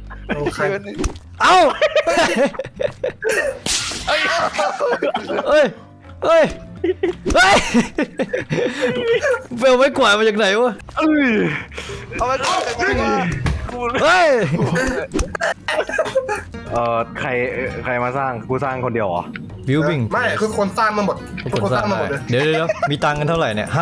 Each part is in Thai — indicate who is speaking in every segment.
Speaker 1: โอเค
Speaker 2: เอ้าเฮ้ยเฮ้ยเฮ้ยเบลไม่กวาดมาจากไหนวะ
Speaker 3: เอาไปก่อน
Speaker 2: เฮ้ย
Speaker 4: ใครมาสร้างกูสร้างคนเดียวเหรอ
Speaker 2: บิวบิ้ง
Speaker 1: ไม่คือคนสร้างมาหมด
Speaker 2: ทุก
Speaker 1: ทุก
Speaker 2: ค
Speaker 1: คน น
Speaker 2: ส
Speaker 1: ส
Speaker 2: ร้า
Speaker 1: ร้าง งมาหมดเลย
Speaker 2: เดี๋ยวมีตังค์กันเท่าไหร่เนี่ย5,000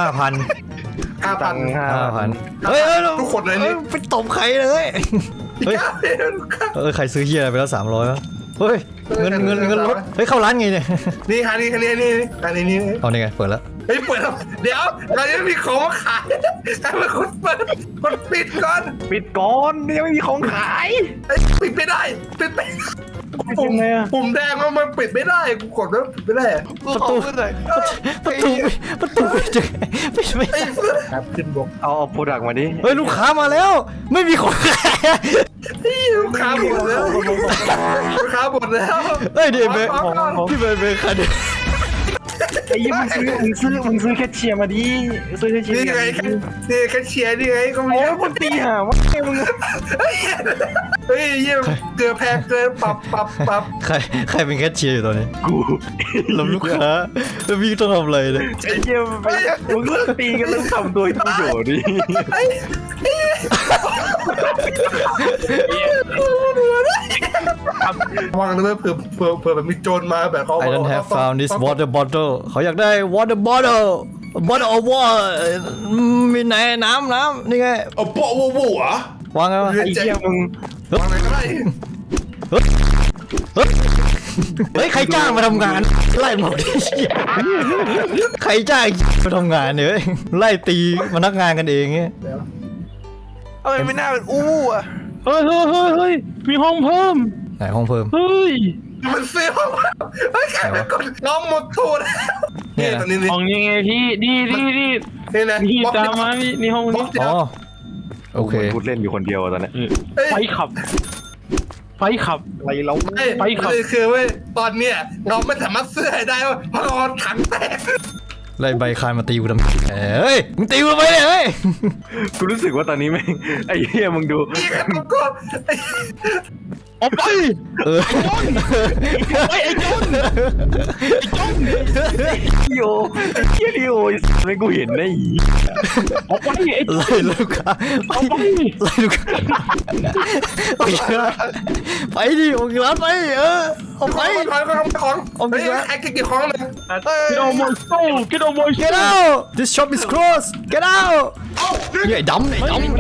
Speaker 1: 5,000
Speaker 2: เฮ้ย
Speaker 1: ทุกคนเลยนี่
Speaker 2: ไปตบใครเลยเฮ้ยใครซื้อเฮียอะไรไปแล้ว300วะเฮ้ยเงินลดเฮ้ยเข้าร้านไงเนี่ย
Speaker 1: นี่ค่ะนี่นี่
Speaker 2: เอานี่ไงเปิดแล้ว
Speaker 1: เฮ้ยเปิดแล้วเดี๋ยวเรายังมีของมาขายแต่เป็นคนเปิดคนปิดก่อน
Speaker 4: ปิดก่อนยังไม่มีของขาย
Speaker 1: ปิดไม่ได้ปิดไม่
Speaker 4: ยังไงอะ
Speaker 1: ปุ่มแดงมันปิดไม่ได้กูกดแล้วปิดไม่ได้
Speaker 3: กูขอพูดหน่อย
Speaker 2: ประตูไม่เจอไม่
Speaker 1: ไอ้เพื่อนครับขึ้นบก
Speaker 4: เอาโปรดักต์มาดิ
Speaker 2: เฮ้ยลูกค้ามาแล้ว ไม่มีของขาย
Speaker 1: ลูกค้าหมดแล้วลูกค้าหมดแล้ว
Speaker 2: เฮ้ยเดี๋ยวพี่เบย์ใครเนี่ย
Speaker 4: ไอ้ยี่มึงซื้อแคชเชียร์มาดิซื้อแคชเชียร์
Speaker 1: นี่ไงนี่แคชเชียร์นี่ไงก็มี
Speaker 4: โอ้ยมึงตีหาวะมึง
Speaker 1: เฮ้ยเยี่ยมเกินแพงเกินปรับ
Speaker 2: ใครเป็นแคชเชียร์อยู่ตอนนี้
Speaker 4: กู
Speaker 2: รับลูกค้าแล้วพี่ต้องทำอะไรเนี่ย
Speaker 4: ไอ้เยี่ยมไปมึงเลิกตีกันแล้วทำตัวประโยชน์ดิ
Speaker 1: วางเลยเผื่อแบบมีโจรมาแบบเขา
Speaker 2: I don't have found this water bottle เขาอยากได้ water bottle bottle of water มีไหนน้ำนี่ไง
Speaker 5: เอาโปะวูวูเหรอ
Speaker 2: วางไงวะ
Speaker 4: ไอ้เยี่ยมมึง
Speaker 1: วางไหนก็ได้
Speaker 2: เฮ้ยใครจ้างมาทำงานไล่หมดใครจ้างมาทำงานเนี่ยไล่ตีพนักงานกันเองเนี่ย
Speaker 3: เอาไปไม่น่าเป็นอู้อ่ะ
Speaker 6: เฮ้ยมีห้องเพิ่ม
Speaker 2: ไหนห้องเพิ่ม
Speaker 6: เฮ้ย
Speaker 1: มันเสียวเฮ้ยแค่กดน้องหมดตูดนี่ตอนนี้
Speaker 6: ห้องยังไงพี่นี่
Speaker 1: นี่นะ
Speaker 6: นี่ตามมานี่ห้องนี้
Speaker 2: อ๋อโอเค
Speaker 4: พูดเล่นอยู่คนเดียวตอนนี้
Speaker 6: ไฟขับ
Speaker 4: อะไรเรา
Speaker 1: ไปคือเว้ยตอนเนี้ยเราไม่สามารถเสื้อได้ว่าเพราะเราถังแตก
Speaker 2: ไล่ใบคานมาตีกูทำเฮ้ยมึงตีกูทำไมเนี่ยเฮ้ย
Speaker 4: กูรู้สึกว่าตอนนี้แม่งไอ้เหี้ยมึงดู
Speaker 1: นี่กันก็
Speaker 6: ออกไป ไอ้จน
Speaker 4: โยไอ้เหี้ยดิโอไม่กูเห็นได้อี
Speaker 6: ออกไปไอ้
Speaker 2: ไล่ลูกค้าไล่ลูกค้าไปดิออกจากร้านไปออกไป
Speaker 1: ของไอ้เก็บของเลย
Speaker 6: get on my soul get on my
Speaker 2: get
Speaker 6: soul
Speaker 2: out this shop is closed get out ไอ้ดำขโม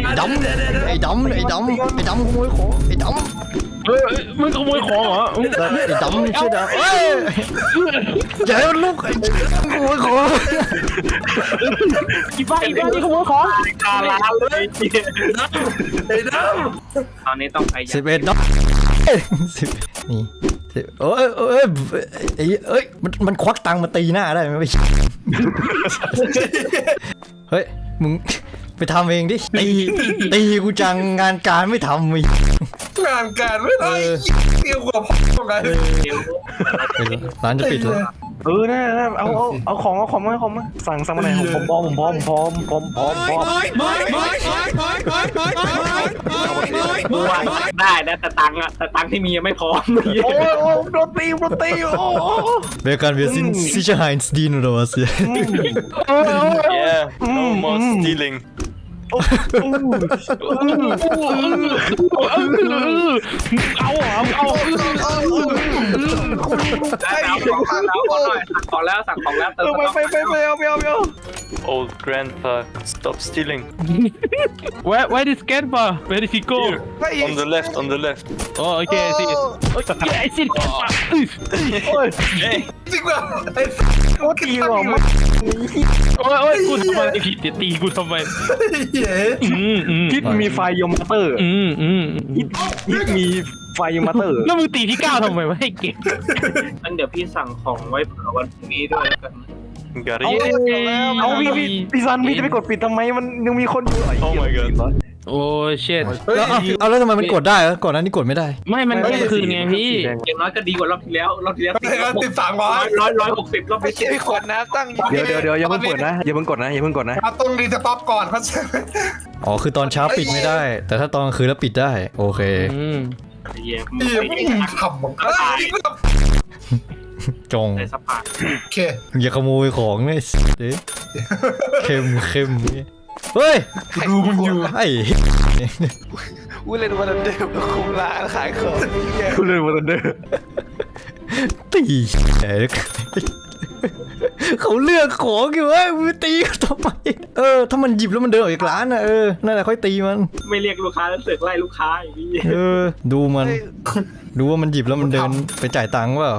Speaker 2: ยของไอ้ดำ
Speaker 6: มึงขโมยของเหรอ
Speaker 2: ไอ้ดำใช่ไหมเฮ้ยอย่าให้มันลุกไอ้ขโมยของ
Speaker 6: อีบ้านี่ขโมยของกาลาเลย
Speaker 1: ไอ้ด
Speaker 6: ตอนนี้ต้องพยายาม
Speaker 2: 11ดอกนี่เอ้ยมันควักตังค์มาตีหน้าได้ไหมเฮ้ยมึงไปทำเองดิตีกูจังงานการไม่ทำมึง
Speaker 1: งานการไม่ได้เกี่ยวกับพ่อไง
Speaker 2: ร้านจะปิดแล้ว
Speaker 4: น่าเอาของมาสั่งมาไหนผมพร้อม
Speaker 6: ได้นะแต่ตังค์ที่มียังไม่พร้อม
Speaker 4: โอ้โดนตีโอ้
Speaker 2: Wer kann wir sind Sicherheits dienen oder was hier?
Speaker 3: Yeah no more stealing
Speaker 6: เอาสั่งของแล้วเติม
Speaker 4: ไปเอา
Speaker 3: old grandpa stop stealing
Speaker 6: Where is Gempa Where is he go
Speaker 3: on the left
Speaker 6: Oh okay I see I see Gempa
Speaker 1: จริงป่ะไอ้
Speaker 4: โอ้ตีหรอมั้ง
Speaker 6: โอ้ยกูทำไมผิดตีกูทำไม
Speaker 1: เหี้ย
Speaker 4: ฮิตมีไฟยมเตอร์ฮิตมีไฟยมเตอร์
Speaker 6: แล้วมึงตีที่9ทำไมวะให้เก็บงั้นเดี๋ยวพี่สั่งของไว้เผื่อวันพรุ่งนี้ด้วยแล้วกัน
Speaker 3: got
Speaker 4: เอา
Speaker 3: it
Speaker 4: พี่ซันพี่จะไปกดปิดทำไมมันยังมีคนอยู่
Speaker 3: oh my god
Speaker 6: โอ้เช็ด
Speaker 1: เฮ้ย
Speaker 2: แล้วทำไมมันกดได้ก่อนหน้านี้กดไม่ได้
Speaker 6: ไม่มัน
Speaker 4: ไม่
Speaker 6: คืนไงพี่
Speaker 5: อย่างน้อยก็ดีกว่ารอบที่แล้วรอบที่แล้ว
Speaker 1: ติด300
Speaker 5: 160รอบ
Speaker 3: ไม่
Speaker 5: ที่
Speaker 3: ใช่ขวดน้ำตั้งอยู่
Speaker 4: เดี๋ยวอย่าเพิ่งกดนะอย่าเพิ่งกดนะอย่าเพิ่งกดนะ
Speaker 1: เราต้องรีสต็อปก่อนเขาจะ
Speaker 2: อ๋อคือตอนเช้าปิดไม่ได้ แต่ถ้าตอนกลางคืนแล้วปิดได้โอเค
Speaker 5: เยี่ยม
Speaker 1: ไม่ทำผม
Speaker 2: จง
Speaker 5: ในสปา
Speaker 1: โอเค
Speaker 2: อย่าขโมยของเนี่ยเด้เข้มเนี่ยเฮ้ย
Speaker 1: ดูมึงอยู่
Speaker 2: ไอ้
Speaker 3: กูเล่นวันเดิมคุมร้านขายของ
Speaker 4: กูเลยวันเดอร์
Speaker 2: ตีเขาเลือกของอยู่เว้ยมึงตีเขาทำไมถ้ามันหยิบแล้วมันเดินออกจากร้านน่ะนั่นแหละค่อยตีมัน
Speaker 5: ไม่เรียกลูกค้าแล้วเสือกไล่ลูกค้าอย่างนี้
Speaker 2: ดูมันดูว่ามันหยิบแล้วมันเดินไปจ่ายตังค์เปล่า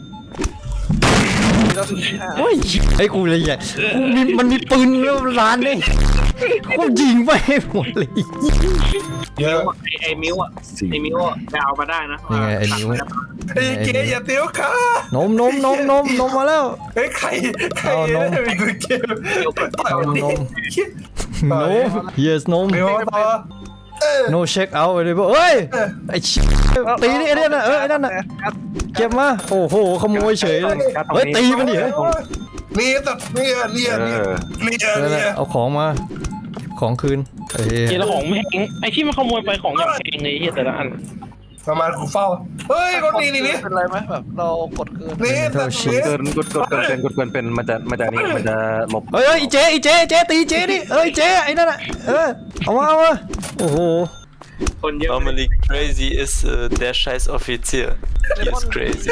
Speaker 2: โอ้ยไอ้กูเลยอ่ะมันมีปืนแล้วร้านเนี่ยกูยิงไปให้หมดเลย
Speaker 1: เยอะ
Speaker 5: ไอ้มิวอ่ะไปเอามาได้นะ
Speaker 2: ยังไงไอ้นิ้ว
Speaker 1: ไอ้เก๋อย่าเตี้ยวค่ะ
Speaker 2: นมมาแล้ว
Speaker 1: เฮ้ยใครมีตัวเกมต่อยวันนี้
Speaker 2: no yes นม
Speaker 1: เดี๋ยวต่อ
Speaker 2: no check out เลยเอ้ยไอ้ตีนี่ไอ้นั่นน่ะไอ้นั่นน่ะเก็บมาโอ้โหขโมยเฉยเลยเฮ้ยตีมันดิเฮ้ย
Speaker 1: นี่ตัดนี่
Speaker 2: เอาของมาของคืน
Speaker 6: เฮียแล้วของแพงไอ้ที่มันขโมยไปของอย่างแพงเลยเฮียแต่ละอัน
Speaker 1: ประมาณกูเฝ้าเฮ้ยคนนี้นี่
Speaker 3: เป็นไรไหมแบบเรากดเกิน
Speaker 1: นี่ตัดนี่
Speaker 4: เกินกดเป็นมันจะนี่มันจะหลบ
Speaker 2: เฮ้ยอีเจ๊ตีเจ๊ดิเจ๊ไอ้นั่นน่ะเอามาโอ้โห
Speaker 5: คนเยอะ
Speaker 3: Normally crazy is der scheiß Offizier. He is crazy.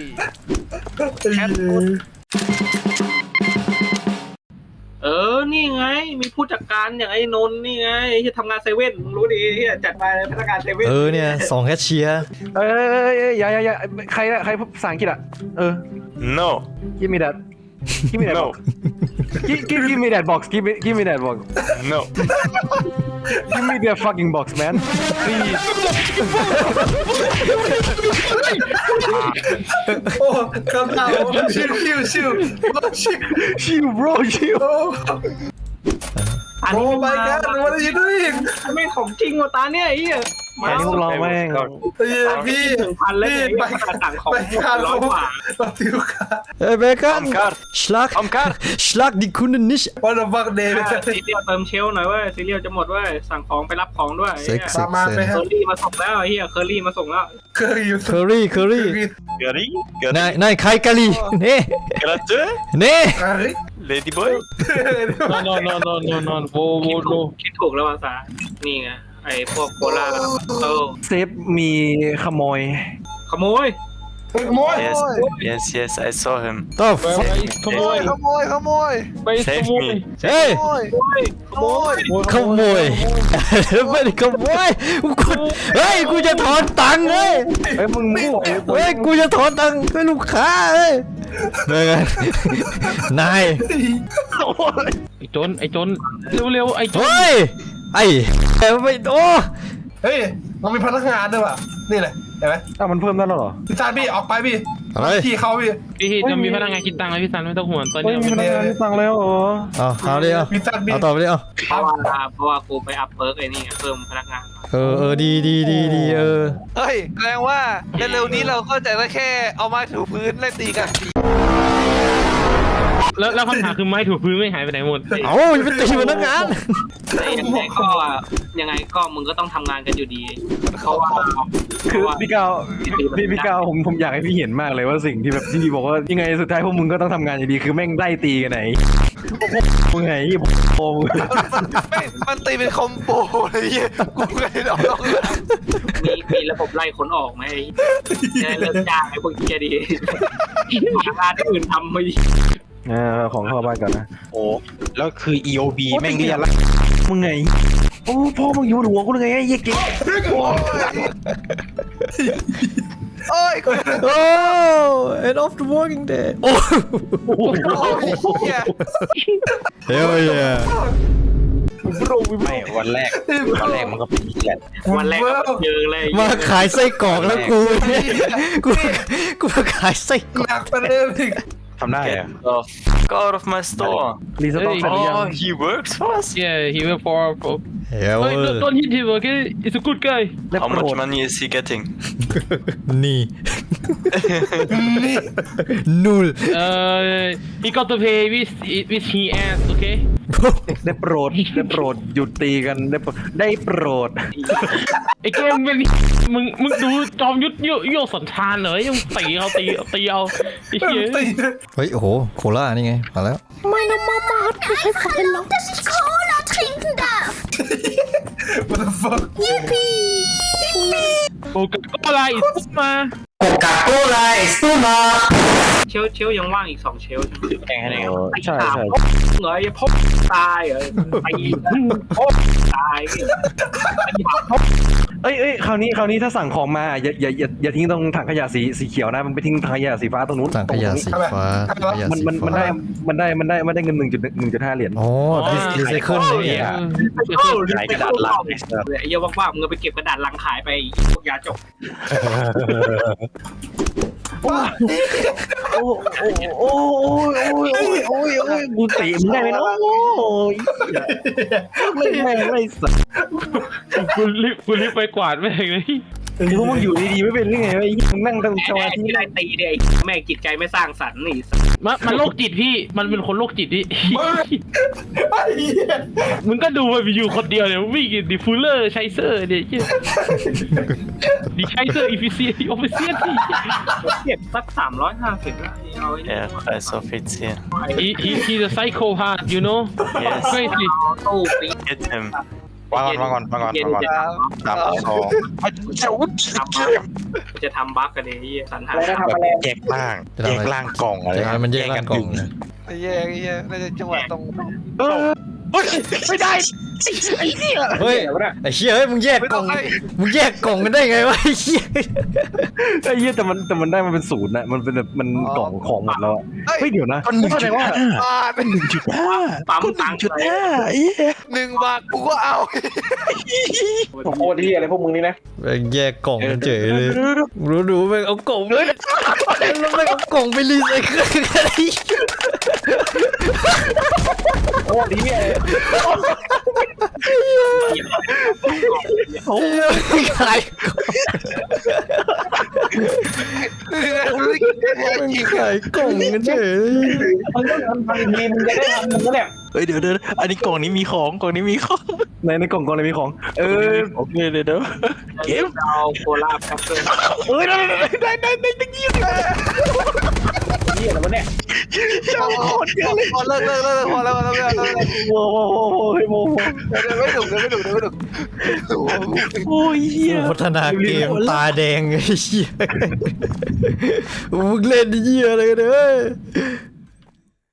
Speaker 5: นี่ไงมีผู้จัดการอย่างไอ้นนท์นี่ไงที่ทำงานเซเว่นมึงรู้ดีที่จัดมาพนักงานเซเว่น
Speaker 2: เนี่ย2แคชเชียร์
Speaker 4: อย่าใครภาษาอังกฤษอ่ะ
Speaker 3: No.
Speaker 4: give me that
Speaker 3: No.
Speaker 4: give me that box give me that box
Speaker 3: No.
Speaker 4: give me that fucking box man please
Speaker 1: โอ้คำถามชิว
Speaker 4: ชิว bro ชิว
Speaker 5: อัน
Speaker 1: โอ้
Speaker 5: นี้
Speaker 1: my god what are you doing
Speaker 5: ไม่ของจริงว่ะตาเนี่ยไอ้เหี้ย
Speaker 4: แค่นี้พวกเราแม่ง
Speaker 1: พี่
Speaker 5: 1,000เลย
Speaker 1: ไป
Speaker 5: ขนาดต่างของ
Speaker 1: การ
Speaker 5: 100 กว่า
Speaker 1: เราติวค่ะ
Speaker 2: เบคอน schlag die Kunden nicht
Speaker 1: what the fuck day
Speaker 5: ซีเรียลเติมเชลหน่อยเว้ยซีเรียลจะหมดเว้ยสั่งของไปรับของด้วย
Speaker 1: ประมาณไป
Speaker 5: เค
Speaker 1: ฮะ
Speaker 5: อรี่มาส่งแล้วไอ้เหี้ยเคอรี่มาส่งแล้ว
Speaker 1: เคยอยู่
Speaker 2: curry
Speaker 3: Gary?
Speaker 2: นายใครกะลีเน่
Speaker 3: Gratte?
Speaker 2: เน่
Speaker 1: อะไร
Speaker 3: Ladyboy?
Speaker 6: no โว
Speaker 5: คิดถูกแล้วภาษานี่ไงไอ้พวกโคลา
Speaker 4: เซฟมีขโมย
Speaker 5: ขโมย
Speaker 1: โมย
Speaker 3: Yes, I saw him.
Speaker 2: ต่อ
Speaker 6: ขโมยไปข
Speaker 3: Save
Speaker 6: โมย
Speaker 3: me.
Speaker 2: เฮ้ย
Speaker 5: ขโมย
Speaker 2: ขโมยไม่ได้ขโมยเฮ้ยกูจะถอนตังค์เฮ้ย
Speaker 4: มึงมั่ว
Speaker 2: เฮ้ยกูจะถอนตังค์ให้ลูกค้าเฮ้ยนาย
Speaker 6: ไอ้จนเร็วไอ้จน
Speaker 2: เฮ้ยไอ้ไม่โอ้
Speaker 1: เฮ้ยมันมีพนักงานด้วยว่ะนี่เลยเห็นไหม
Speaker 4: มันเพิ่มได้แล้วเหรอ
Speaker 1: พี่ซานพี่ออกไปพี่พี่เขาพี่
Speaker 6: พี่จะมีพนักงานคิดตังค์เลยพี่ซันไม่ต้องห่วงตอน
Speaker 4: เฮ้ย
Speaker 6: นี้
Speaker 4: มีพนักงานที่สั่งแล้วเหรอ
Speaker 2: เอาดิเอา
Speaker 1: พี่ซานพี่
Speaker 2: เอาต่อไปดิเอา
Speaker 5: เพราะว่ากูไปอัพเพิร์กไอ้นี่เพิ่มพนักงาน
Speaker 2: ดี
Speaker 3: เฮ้ยแสดงว่าเร็วๆนี้เราก็จะได้แค่เอาไม้ถูพื้นไล่ตีกัน
Speaker 6: แล้วคำถามคือไม้ถูพื้นไม่หายไปไหนหมด
Speaker 2: เอาอย่าไปตีพนักงาน
Speaker 5: ยังไงก็มึงก็ต้องทำงานกันอยู่ดีเขาว่า
Speaker 4: คือพี่กาวผมอยากให้พี่เห็นมากเลยว่าสิ่งที่แบบที่พี่บอกว่ายังไงสุดท้ายพวกมึงก็ต้องทำงานอยู่ดีคือแม่งไล่ตีกันไหนมึงไงโอ้
Speaker 3: มันตีเป็นคอมโบเลยกูเคยลอง
Speaker 5: มีระบบไล่คนออกไหมจะเลิกจ้างไอ้พวกเกียดีหางานอื่นทำไป
Speaker 4: ของเข้าบ้านก่อนนะ
Speaker 7: โอ้แล้วคือ EOB แม่งเรียกละ
Speaker 4: มึงไงโอ้พ่อมึงอยู่หัวกูเลยไงไอ้เหี้ยเก่ง
Speaker 3: โอ้ย
Speaker 2: โอ้ end of the working day โอ้ hell yeah
Speaker 7: ไม่วันแรกมันก็เป็นเกียรติ
Speaker 5: วันแรกเจอเลย
Speaker 2: มาขายไส้กรอกแล้วกูมาขายไส้กรอก
Speaker 1: หนักไปเลยพี่
Speaker 7: ทำได้อะ
Speaker 3: Go out of my store.
Speaker 4: รีสต็อกเสร็จหรือยัง
Speaker 3: Oh, he works for us?
Speaker 6: Yeah he will for
Speaker 2: เฮ้ย
Speaker 8: Hey, don't hit him, okay? It's a good guy.
Speaker 4: How much
Speaker 7: money is he getting
Speaker 2: นี่ นูล
Speaker 8: He got to pay with he ass, okay?
Speaker 4: ได้โปรดหยุดตีกันได้โปรด
Speaker 8: ไอ้เกมเป็นมึงดูจอมยุทธโยสันทานเหรอยังตีเอาตีเอาไอ้เหี้ย
Speaker 2: เฮ้ยโอ้โหโคล่านี่ไงมาแล้ว
Speaker 9: Meine Mama hat mir gesagt, dass ich Cola trinken darf.
Speaker 1: What the fuck
Speaker 9: Yippie!
Speaker 8: โอ้ก็อะไรอีกมา
Speaker 6: เชลยังว่างอีก2เชล
Speaker 7: แข่งให้ได้ไง
Speaker 4: ใช่
Speaker 6: เหรอพบตายเหรอไปพบตาย
Speaker 4: เอ้ยคราวนี้ถ้าสั่งของมาอย่าทิ้งตรงถังขยะสีเขียวนะมันไปทิ้งถังขยะสีฟ้าตรงนู้น
Speaker 2: ถังขยะสีฟ้าถังขยะ
Speaker 4: มัน
Speaker 2: สีฟ้า
Speaker 4: ได้เงิน 1.5 เหรียญ
Speaker 2: อ๋อรีไซเคิลนี่
Speaker 7: ขายกระดาษลัง
Speaker 6: ไอ้เหี้ยว่างๆมึงไปเก็บกระดาษลังขายไปพวกยาจก
Speaker 4: โอ้ยกูตีมึงได้ไหมเนาะโอ้ยไม่สัก
Speaker 8: กูรีบไปกวาดแม่งเลย
Speaker 4: พวกมึงอยู่ดีๆไม่เป็นหรือไงวะไอ้มึงนั่งตั้งสมาธิ
Speaker 6: ที่ได้ตีเนี่ยแม่งจิตใจไม่สร้างสรรค์นี่
Speaker 8: มันโรคจิตพี่มันเป็นคนโรคจิตพี่มึงก็ดูมันอยู่คนเดียวเนี่ยวิ่งดิฟูลเลอร์ไชเซอร์เนี่ยดิไชเซอร์อีฟิเซียออฟฟิเซียที่
Speaker 6: เก็บสัก350แล้วเอาไอ้
Speaker 7: Yeah, quite offiziell.
Speaker 8: he's a psychopath you know
Speaker 7: Yes.
Speaker 8: crazy
Speaker 6: ตู้ปี
Speaker 7: Get him. วางก่อน3 2
Speaker 6: จะทำบั๊กกันเลยสันหา
Speaker 7: แบบแยกล่างกล่องอะไร
Speaker 2: จะให้มันแยกร่างกล่องนะ
Speaker 3: ไอ้เหี้ยน่าจะจังหวะตรง
Speaker 4: ไม่ได้
Speaker 2: เฮ้ยไอ้เชี่ยเฮ้ยมึงแยกกล่องกันได้ไงวะไอ้เชี่ย
Speaker 4: ไอ้เหี้ยแต่มันได้มันเป็นศูนย์นะมันเป็นแบบมันกล่องของหมดแล้วเฮ้ยเดี๋ยวนะเข้าใจว่า
Speaker 6: ปั๊มตังค์เลย
Speaker 3: 1 บาทกูก็เอา
Speaker 5: ผมโคตรที่อะไรพวกมึงนี่นะ
Speaker 2: แม่งแยกกล่องกันเฉยเลยรู้แม่งเอากล่องเลยแล้วแม่งเอากล่องไปรีไซเคิลกันไอ้
Speaker 5: โอ้ดีเนี่ย
Speaker 2: โอ้ยขายขายกล่องกันเฉย
Speaker 5: มึงต้องทำทันทีมึงจะได้ทำมึงก็เนี่ย
Speaker 7: เฮ้ยเดี๋ยวอันนี้กล่องนี้มีของ
Speaker 4: ในกล่องอะไรมีของ
Speaker 7: โอเคเดี๋ยวเก็บ
Speaker 6: เอาโคลาครับเพื่อน
Speaker 5: เหี้ยอะไรวะเนี่ย
Speaker 3: พอเลิกพอแล้ว
Speaker 4: โว้
Speaker 3: ไม่ดุ
Speaker 4: โอ้ยเหี้ย
Speaker 2: พัฒนาเกมตาแดงไอ้เชี่ยมึงเล่นเหี้ยอะไรกันเนี่ย